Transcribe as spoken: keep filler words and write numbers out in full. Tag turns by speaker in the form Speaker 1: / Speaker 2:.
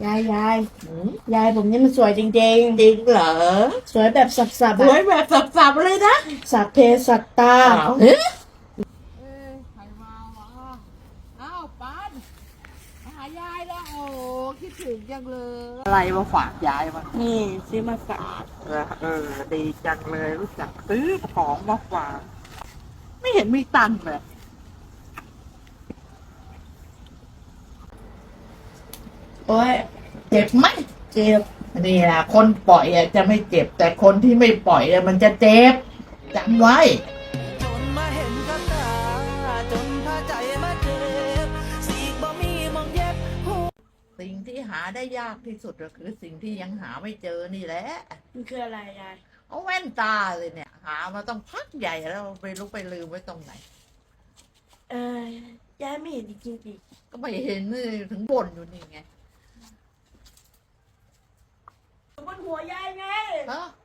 Speaker 1: ยายยาย
Speaker 2: หืม
Speaker 1: ยายผมนี่มันสวยจริง
Speaker 2: จริงเหรอ
Speaker 1: ๆ สวยแบบสับ
Speaker 2: ส
Speaker 1: ๆ
Speaker 2: วย
Speaker 1: อะ
Speaker 2: แบบสับๆเลยนะ
Speaker 1: สัพเพสัตตา
Speaker 2: อ้าวเฮ้ยใครมาวะอ้าวปานมาหายายแล้วโอ้คิดถึงจังเลยอะไรมาฝากยายมา
Speaker 1: นี่ซื้อมาฝาก
Speaker 2: เออเออดีจังเลยรู้จักซื้อของมาฝากไม่เห็นมีตังค์เลย
Speaker 1: โอ้ย
Speaker 2: เจ็บไหม
Speaker 1: เจ็บ
Speaker 2: นี่แหละคนปล่อยอะจะไม่เจ็บ แต่คนที่ไม่ปล่อยอะมันจะเจ็บจำไว้
Speaker 3: จนมาเห็นกับตาจนพาใจมาเจ็บสีกบ่มีมองเย็บหู
Speaker 2: สิ่งที่หาได้ยากที่สุดก็คือสิ่งที่ยังหาไม่เจอนี่แหละ
Speaker 1: มันคืออะไรยาย
Speaker 2: เอาแว่นตาเลยเนี่ย หามาต้องพักใหญ่แล้วไม่รู้ไปลืมไว้ตรงไหน
Speaker 1: เออยายไม่เห็นจริง
Speaker 2: ก็ไม่เห็นเลยถึงบ่นอยู่นี่ไง
Speaker 1: ๆบนหัวยายไง
Speaker 2: ฮะ